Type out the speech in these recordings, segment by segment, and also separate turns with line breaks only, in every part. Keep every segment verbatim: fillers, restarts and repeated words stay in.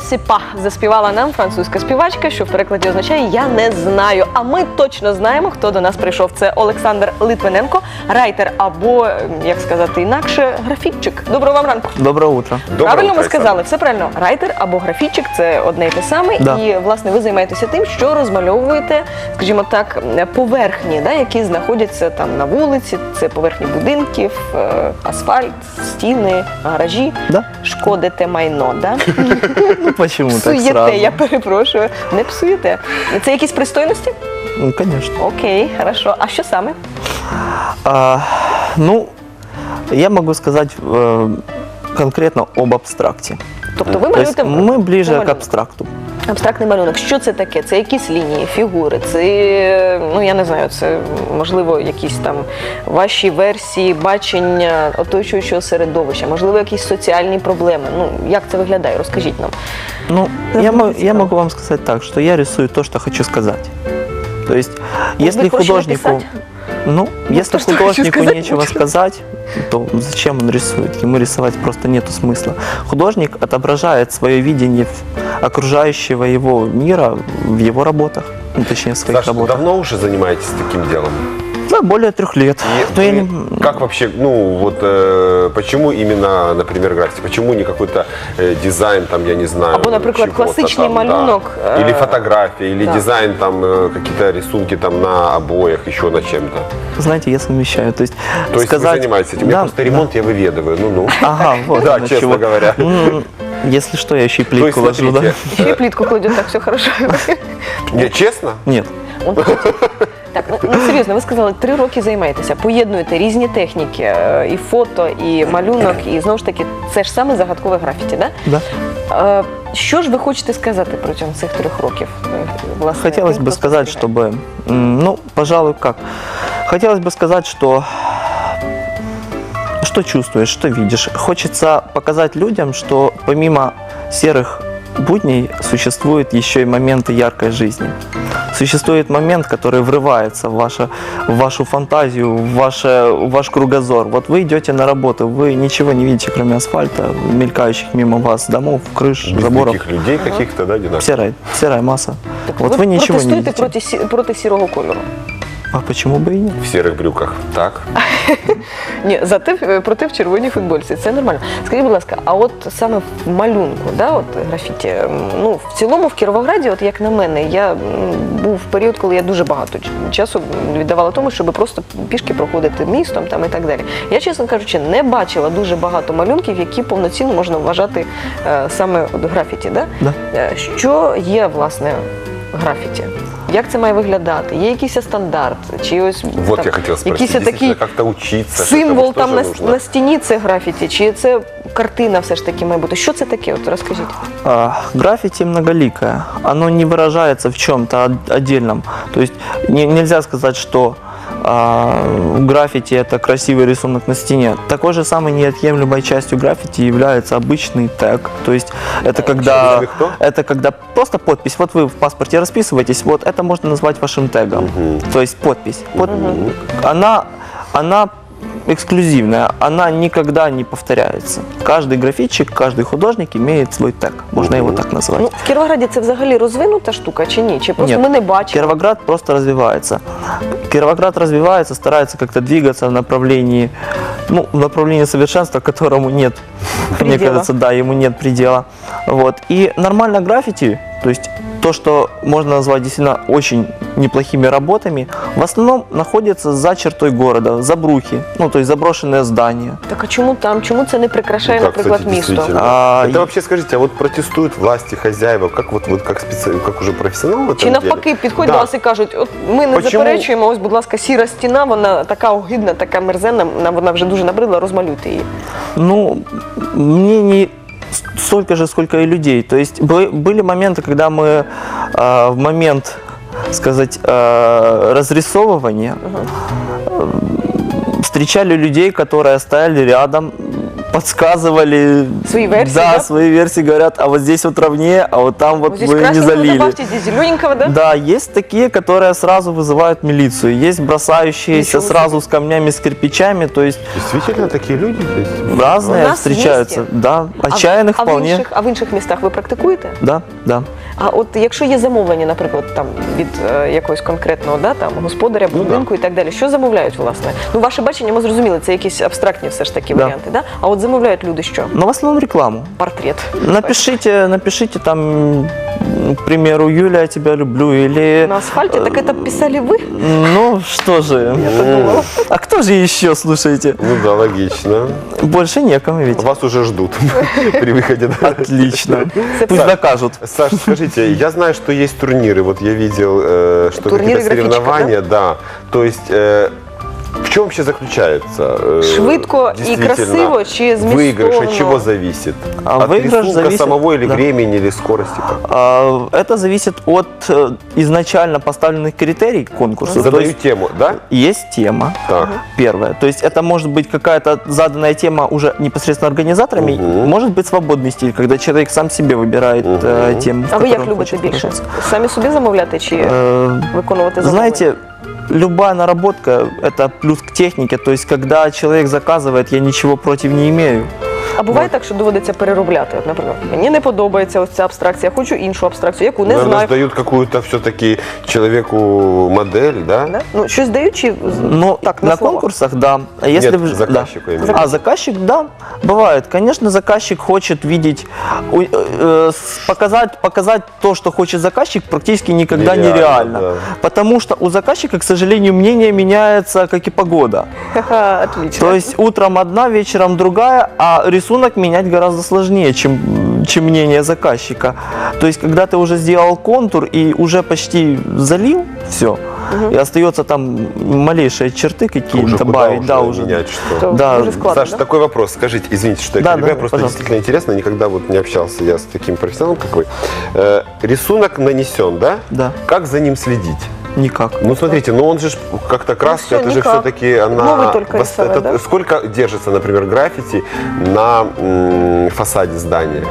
sais pas» заспівала нам французька співачка, що в перекладі означає «я не знаю». А ми точно знаємо, хто до нас прийшов. Це Олександр Литвиненко, райтер або, як сказати інакше, графітчик. Доброго вам ранку.
Доброе утро.
Правильно
Доброе
ми
утро,
сказали, все правильно. Райтер або графітчик – це одне і те саме.
Да.
І, власне, ви займаєтеся тим, що розмальовуєте, скажімо так, поверхні, да, які знаходяться там на вулиці. Це поверхні будинків, е, асфальт, стіни, гаражі.
Да.
Шкодите майно, да?
Ну почему так
Псуєте,
сразу?
я перепрошую. Не псуєте. Це якісь пристойності?
Ну, конечно.
Окей, хорошо. А що саме?
А, ну, я могу сказать э, конкретно об абстракте.
Тобто ви
То есть
малюєте
мы ближе
малюнок.
к абстракту.
Абстрактний малюнок. Що це таке? Це якісь лінії, фігури, це, ну я не знаю, це можливо якісь там ваші версії бачення оточуючого середовища, можливо, якісь соціальні проблеми. Ну, як це виглядає? Розкажіть нам.
Ну,
Да,
я,
мне
мо- я
цікаво.
могу вам сказать так, что я рисую то, что хочу сказать. То есть, если
быть проще
художнику,
написать?
ну,
Ну,
если
то, что хочу
художнику
сказать,
нечего
лучше.
сказать, то зачем он рисует? Ему рисовать просто нету смысла. Художник отображает свое видение в- окружающего его мира в его работах, ну, точнее, в своих
Саша,
работах.
давно уже занимаетесь таким делом?
Да, более трех лет.
И
Но я
вы
не-
Как вообще, ну вот, э, почему именно, например, граффити? Почему не какой-то э, дизайн, там, я не знаю,
Або, наприклад,
чего-то
классичный
там, да.
малюнок, э,
Или фотография, или
да.
дизайн, там, э, какие-то рисунки там на обоях, еще на чем-то.
Знаете, я совмещаю. То есть,
То есть
сказать...
вы занимаетесь этим? Я
Да,
просто ремонт я выведываю, ну-ну.
Ага, вот
Да,
оно
честно
чего.
говоря.
М, Если что, я еще и
То есть,
плитку ложу, да?
смотрите,
Ще й плітку кладуть, так, все хорошо.
не, честно?
Нет.
Он хотів. Так, ну, ну серйозно, ви сказали, три роки займаєтеся, поєднуєте різні техніки, е, і фото, і малюнок, і знову ж таки, це ж саме загадкове графіті, да?
Да.
Е, Що ж ви хочете сказати протягом цих трьох років? е, Власне,
Хотелось
тим,
бы
хто
сказать,
спостерігає?
чтобы, м, ну, пожалуй, как? Хотелось бы сказать, что что чувствуешь, что видишь. Хочется показать людям, что помимо серых будней существуют еще и моменты яркой жизни. Существует момент, который врывается в, ваше, в вашу фантазию, в, ваше, в ваш кругозор. Вот вы идете на работу, вы ничего не видите, кроме асфальта, мелькающих мимо вас домов, крыш,
Без
заборов.
таких людей каких-то, да, одинаковых?
Серая, серая масса.
Так
вот
ви
вы ничего не
протестуєте
видите.
проти, сі- проти сірого кольору?
А почему бы и нет?
В серых брюках, так?
Ні, зате е, проти в червоній футбольці. Це нормально. Скажіть, будь ласка, а от саме в малюнку, да, от графіті, м, ну, в цілому в Кіровограді, от як на мене, я м, був період, коли я дуже багато ч- часу віддавала тому, щоб просто пішки проходити містом там і так далі. Я, чесно кажучи, не бачила дуже багато малюнків, які повноцінно можна вважати е, саме от графіті. Да?
Да.
Е, Що є, власне, графіті? Як це має виглядати? Є якийсь стандарт? Чи ось
Вот
там,
я хотел спросить,
якийсь такий
действительно, как-то учиться.
символ
что-то,
там
что
на,
же нужно?
на стіні це графіті, чи це картина все ж таки має бути? Що це таке? От розкажіть.
А, граффити многоликое. Оно не выражается в чем-то од- отдельном. То есть не- нельзя сказать, что а, граффити это красивый рисунок на стене. Такой же самой неотъемлемой частью граффити является обычный тег. То есть это когда,
Обычный кто?
это когда просто подпись. Вот вы в паспорте расписываетесь, вот это можно назвать вашим тегом. То есть подпись. Под- Она, она эксклюзивная, она никогда не повторяется. Каждый графитчик, каждый художник имеет свой тег. Можно его так назвать.
Ну, в Кіровограді це взагалі розвинута штука чи ні? Чи просто
Нет,
ми не бачимо?
Кировоград просто развивается. Кировоград развивается, старается как-то двигаться в направлении, ну, в направлении совершенства, которому нет, мне
Предела.
кажется, да, ему нет предела. Вот. И нормально граффити, то есть то, что можно назвать действительно очень неплохими работами, в основном находится за чертой города, за брухи, ну, то есть заброшенные здания.
Так а чому там? Чому це не прикрашає,
Ну, так,
наприклад,
кстати,
місто?
действительно.
А,
Это
и-
вообще, скажите, а вот протестуют власти, хозяева, как вот, вот как, специ... как уже профессионал в этом
Чи навпаки
деле?
підходять
Да.
до вас і кажуть, от ми не
Почему?
заперечуємо, ось, будь ласка, сіра стіна, вона така огидна, така мерзенна, нам вона вже дуже набридла, розмалюйте її.
Ну, мне не столько же, сколько и людей. То есть бы- были моменты, когда мы э, в момент, сказать, э, разрисовывания э, встречали людей, которые стояли рядом, подсказывали.
Свои версии,
Да,
да?
свои версии говорят, а вот здесь вот ровнее, а вот там вот
Вот здесь
вы не
красненького
залили.
добавьте, здесь зелененького, да?
Да, есть такие, которые сразу вызывают милицию, есть бросающиеся
Ничего
сразу с камнями, с кирпичами, то есть
Действительно, такие люди есть?
разные
У нас
встречаются.
є.
Да,
А в-
отчаянных
а в
вполне.
інших, а в інших містах ви практикуєте?
Да, да.
А от якщо є замовлення, наприклад, там від е, якогось конкретного да, там, господаря,
Ну,
будинку і так далі, що замовляють, власне? Ну, ваше бачення, ми зрозуміли, це якісь абстрактні все ж таки
Да.
варіанти, да? А от замовляють люди що?
Но в основном рекламу.
Портрет.
Напишите, напишите там, к примеру, Юля, я тебя люблю, или...
На асфальте? Так это писали вы?
Ну, что же,
Подумала.
а кто же еще, слушайте?
Ну да, логично.
Больше некому ведь.
Вас уже ждут при выходе.
Отлично.
Це
Пусть
правда.
докажут.
Саш, скажите, я знаю, что есть турниры. Вот я видел, э, что
Турниры
какие-то
графичка,
соревнования, да? То есть э, в чем вообще заключается? э,
Швидко і
действительно,
красиво чи
Выигрыш
змістовно?
от чего зависит?
А
от
выигрыш
рисунка
зависит-
самого или
да.
времени, или скорости?
А, Это зависит от э, изначально поставленных критерий конкурса. То
Задаю
есть
тему, да?
есть тема.
Так.
Первое. То есть это может быть какая-то заданная тема уже непосредственно организаторами,
Мгм.
может быть свободный стиль, когда человек сам себе выбирает э,
Мгм.
тему. в
А ви як
которой он
любите
хочет
більше?
выражаться.
Самі собі замовляти чи
Э,
виконувати замовлення?
Знаете, любая наработка – это плюс к технике. То есть, когда человек заказывает, я ничего против не имею.
А буває так, що доводиться переробляти? От, наприклад, мені не подобається ось ця абстракція, хочу іншу абстракцію, яку не
Наверное,
знаю.
сдают какую-то все-таки человеку модель, да?
Да? Ну, щось дають чи
Ну,
так,
на,
на слова?
конкурсах, да. А если
Нет,
в-
заказчику
да.
именно.
А, заказчик, да, бывает. Конечно, заказчик хочет видеть, у- э, э, с- показать, показать то, что хочет заказчик, практически никогда
Нереально,
нереально.
да.
Потому что у заказчика, к сожалению, мнение меняется, как и погода.
Ха-ха, отлично.
То есть утром одна, вечером другая, а рисунок менять гораздо сложнее, чем, чем мнение заказчика. То есть, когда ты уже сделал контур и уже почти залил все, и остается там малейшие черты
Уже
какие-то
куда
добавить,
уже
да, уже.
менять что?
То
да.
дуже складно,
Саш,
да?
такой вопрос. Скажите, извините, что я
Да,
перебиваю,
да,
просто
пожалуйста.
действительно интересно, никогда вот не общался я с таким профессионалом, как вы. Э, рисунок нанесен, да?
Да,
Как за ним следить?
никак.
Ну, смотрите, ну он же ж как-то краска,
всё,
это же
никак.
все-таки она...
Новый только
вос-
рисовать,
это
да?
Сколько держится, например, граффити на м, фасаде здания?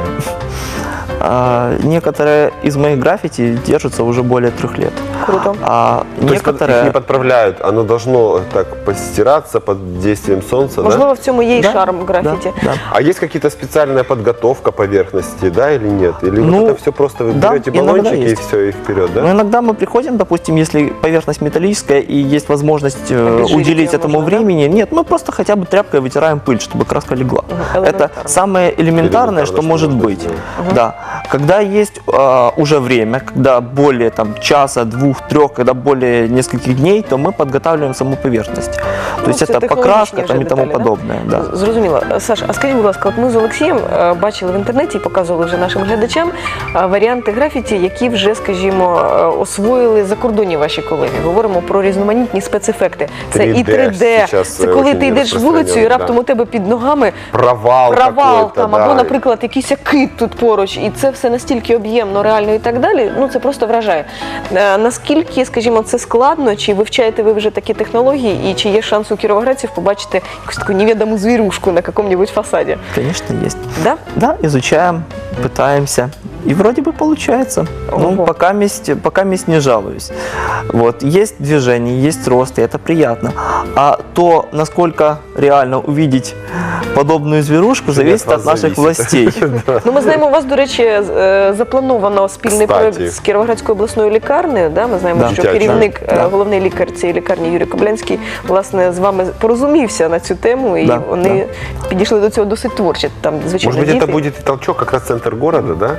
А, некоторые из моих граффити держатся уже более трех лет.
Круто.
А
То есть под- их
некоторые...
не подправляют, оно должно так постираться под действием солнца, да?
Можливо, в цьому є і
Да,
шарм графіті.
Да, да.
А есть какие-то специальная подготовка поверхности, да, или нет? Или
Ну,
вот это все просто вы
да,
берете
иногда
баллончики и
есть.
все, и вперед, да?
Но иногда мы приходим, допустим, если поверхность металлическая и есть возможность э,
Обезжирить
уделить
её
этому
можно, да?
времени, нет, мы просто хотя бы тряпкой вытираем пыль, чтобы краска легла.
Мгм,
Это
элементарно.
самое элементарное, что
что
может
можно
быть.
сделать.
Да. Когда есть э, уже время, когда более там часа, двух, трех, когда более нескольких дней, то мы подготавливаем саму поверхность. То
Ну,
есть
це
это
технологічні
покраска
вже
там и тому
деталі, да?
подобное. Да.
Зрозуміло. Саш, а скажіть, будь ласка, от ми з Олексієм е, бачили в інтернеті і показували вже нашим глядачам е, варіанти графіті, які вже, скажімо, е, освоїли закордонні ваші колеги. Говоримо про різноманітні спецефекти. Це і
три де
три де,
зараз,
це
е,
коли
очень
ти йдеш вулицею і
розпространено,
раптом
да.
у тебе під ногами
Провал,
провал
какой-то,
там,
да.
або, наприклад, якийсь кит тут поруч, і це все настільки об'ємно, реально і так далі. Ну це просто вражає. Е, Наскільки, скажімо, це складно, чи вивчаєте ви вже такі технології, і чи є шанс у кіровоградців побачити якусь таку невідому звірушку на якомусь фасаді?
Конечно, есть.
Да?
Да, изучаем, пытаемся. И вроде бы получается.
Ого.
Ну, пока месть, пока месть не жалуюсь. Вот, есть движение, есть рост, и это приятно. А то, насколько реально увидеть подобную зверушку, зависит
от
от
вас
наших
зависит.
властей.
Ну, ми знаємо, у вас, до речі, е, заплановано спільний
Кстати.
проєкт з Кіровоградською обласною лікарнею. Да? Ми знаємо,
Да.
що
Дитячою.
керівник, е,
Да.
головний лікар цієї лікарні Юрій Коблянський, власне, з вами порозумівся на цю тему, і
Да,
вони підійшли до цього досить творчо. Там, звичайно,
Может быть,
діти.
это будет и толчок, как раз центр города, да?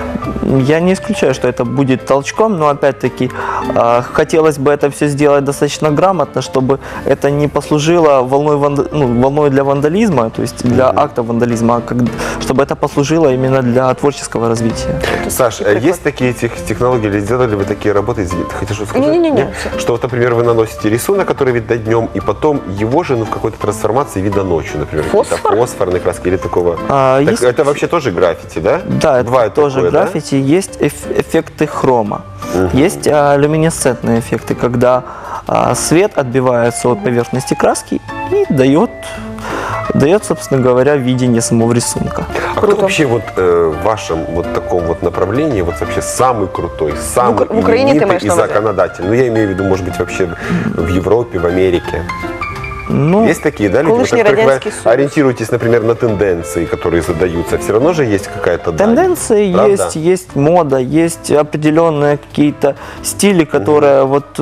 Я не исключаю, что это будет толчком, но опять-таки э, хотелось бы это все сделать достаточно грамотно, чтобы это не послужило волной, ванда- ну, волной для вандализма, то есть для
Мгм.
акта вандализма, а как- чтобы это послужило именно для творческого развития.
Саш,
такий
э,
приклад.
есть такие тех- технологии, или сделали вы такие работы, извините, хотите что сказать?
Не-не-не,
Нет?
всё.
Что, вот, например, вы наносите рисунок, который видно днем, и потом его же ну, в какой-то трансформации видно ночью, например, какие-то
Фосфор?
фосфорные краски или такого.
А,
Так
есть-
это вообще тоже граффити, да?
Да, это
Бывает
тоже
такое, да?
граффити. Есть эф- эффекты хрома.
Мгм.
Есть а, люминесцентные эффекты, когда а, свет отбивается от поверхности краски и дает дает, собственно говоря, видение самого рисунка.
А
Круто.
кто вообще вот э, в вашем вот таком вот направлении вот вообще самый крутой, самый
В Ук- в Украине ты
именитый
имеешь
и
на увазі?
законодательный? Ну, я имею в виду, может быть, вообще в Европе, в Америке.
Ну,
Есть такие, да, люди, вот,
Колышний
которых вы
Радянский Союз.
ориентируетесь, например, на тенденции, которые задаются. Все равно же есть какая-то дань,
тенденции
правда?
есть, есть мода, есть определенные какие-то стили, которые вот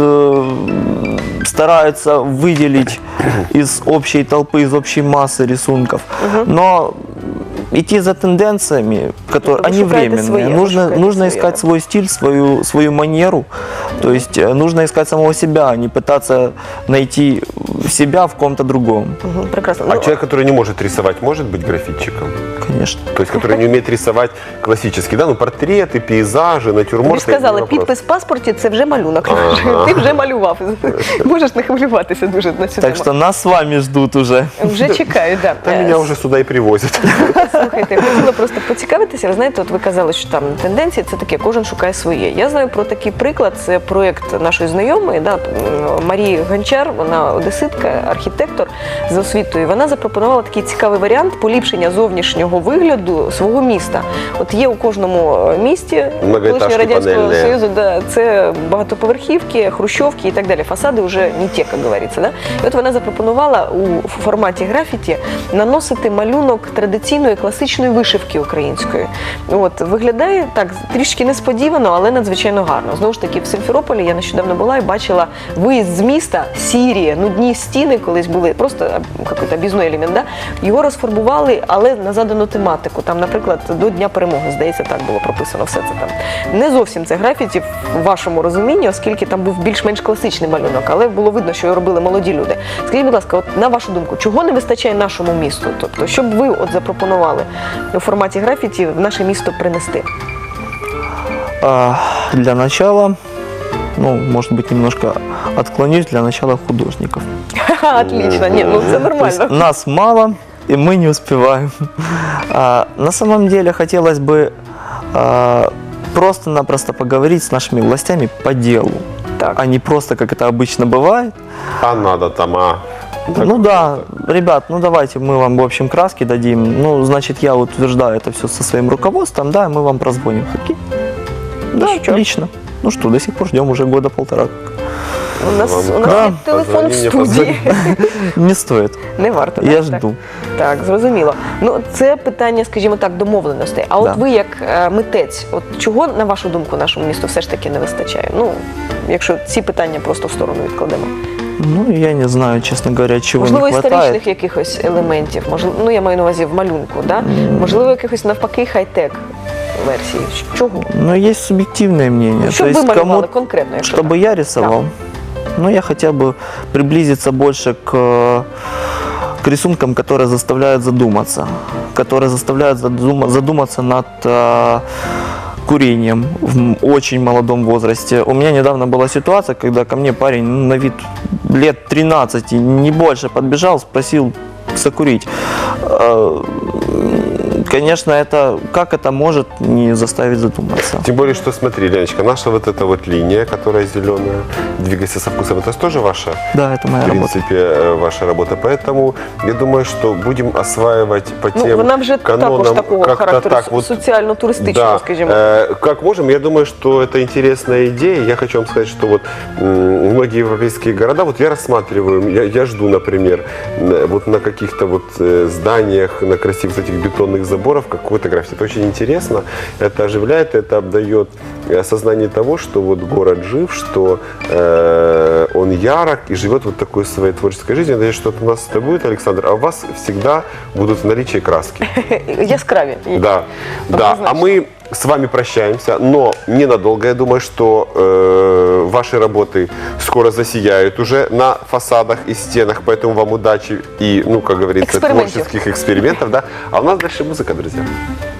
э, стараются выделить из общей толпы, из общей массы рисунков. Но идти за тенденциями, которые
Вы
они
шукаете
временные,
свои, вы
нужно,
шукаете
нужно
свои,
искать
да.
свой стиль, свою, свою манеру. То есть э, нужно искать самого себя, а не пытаться найти себя в ком-то другом.
Мгм, прекрасно.
А
Ну,
человек, который не может рисовать, может быть графитчиком?
Конечно.
То есть, который не умеет рисовать классические, да, ну, портреты, пейзажи,
Тобі
натюрморты.
ж сказали,
не вопрос.
підпис в паспорті це вже малюнок.
Ага.
Ти вже малював. Можеш не хвилюватися дуже на цю
Так
тему.
что нас с вами ждут уже.
Вже чекаю, так.
Да, меня уже сюда и привозят.
Слухайте, хотіла просто поцікавитися. Ви знаєте, от ви казали, що там тенденції це таке, кожен шукає своє. Я знаю про такий приклад. Це проєкт нашої знайомої, да, Марії Гончар. Вона одеситка, архітектор за освітою. Вона запропонувала такий цікавий варіант поліпшення зовнішнього вигляду свого міста. От є у кожному місті
Многоетажки
колишнього Радянського
панельні.
Союзу, да, це багатоповерхівки, хрущовки і так далі. Фасади вже не ті, як говориться. Да? І от вона запропонувала у форматі графіті наносити малюнок традиційної класичної вишивки української. От, виглядає так трішки несподівано, але надзвичайно гарно. Знову ж таки, в Симферополі я нещодавно була і бачила виїзд з міста, сірі, нудні стіни колись були, просто якийсь об'їзний елемент, да? Його розфарбували, але на задану тематику. Там, наприклад, до Дня перемоги, здається, так було прописано все це там. Не зовсім це графіті в вашому розумінні, оскільки там був більш-менш класичний малюнок, але було видно, що його робили молоді люди. Скажіть, будь ласка, от на вашу думку, чого не вистачає нашому місту? Тобто, що б ви от запропонували у форматі графіті в наше місто принести?
А, Для начала, ну, может быть, немножко отклонюсь, для начала художников.
Ха, отлично, ні, ну це
То есть
нормально.
нас мало, и мы не успеваем. А, на самом деле хотелось бы а, просто-напросто поговорить с нашими властями по делу,
Так.
а не просто, как это обычно бывает.
А надо там, а.
Ну да, ребят, ну давайте мы вам, в общем, краски дадим. Ну, значит, я утверждаю это все со своим руководством, да, и мы вам прозвоним. Окей? Да,
что?
отлично. Ну что, до сих пор ждем уже года полтора.
У нас, у нас
Да.
є телефон в
Позвони мені,
студії.
Не стоит.
Не варто.
Я
так?
жду.
Так, зрозуміло. Ну, це питання, скажімо так, домовленостей. А от
Да.
ви, як е, митець, от чого, на вашу думку, нашому місту все ж таки не вистачає? Ну, якщо ці питання просто в сторону відкладемо.
Ну, я не знаю, честно говоря, чего
Можливо,
не хватает.
історичних якихось елементів, можливо, ну я маю на увазі в малюнку, да? Можливо, якихось навпаки хай-тек версії. Чого?
Но есть субъективное мнение.
Що
То
б ви
есть
малювали
кому,
конкретно, якщо
чтобы
так?
я рисовал, ну, я хотел бы приблизиться больше к, к рисункам, которые заставляют задуматься, которые заставляют задума- задуматься над э, курением в м- очень молодом возрасте. У меня недавно была ситуация, когда ко мне парень ну, на вид лет тринадцать, не больше, подбежал, спросил закурить. Э, Конечно, это как это может не заставить задуматься?
Тем более, что смотри, Леночка, наша вот эта вот линия, которая зеленая, двигайся со вкусом, это тоже ваша,
Да, это моя
в
работа.
принципе, э, ваша работа. Поэтому я думаю, что будем осваивать по
Ну,
тем
вона вже також
канонам
такого
как-то
характеру,
так вот.
соціально-туристичного,
Да,
скажімо.
э, как можем, я думаю, что это интересная идея. Я хочу вам сказать, что вот м, многие европейские города, вот я рассматриваю, я, я жду, например, на- вот на каких-то вот э, зданиях, на красивых этих бетонных заборах какой-то граффити. Это очень интересно, это оживляет, это обдает осознание того, что вот город жив, что э, он ярок и живет вот такой своей творческой жизнью. Я надеюсь, что это у нас это будет, Александр, а у вас всегда будут в наличии краски.
Яскраві.
Да, да. А
Однозначно.
мы с вами прощаемся, но ненадолго. Я думаю, что э, ваши работы скоро засияют уже на фасадах и стенах, поэтому вам удачи и, ну, как говорится,
Экспериментов.
творческих экспериментов, да. А у нас дальше музыка, друзья.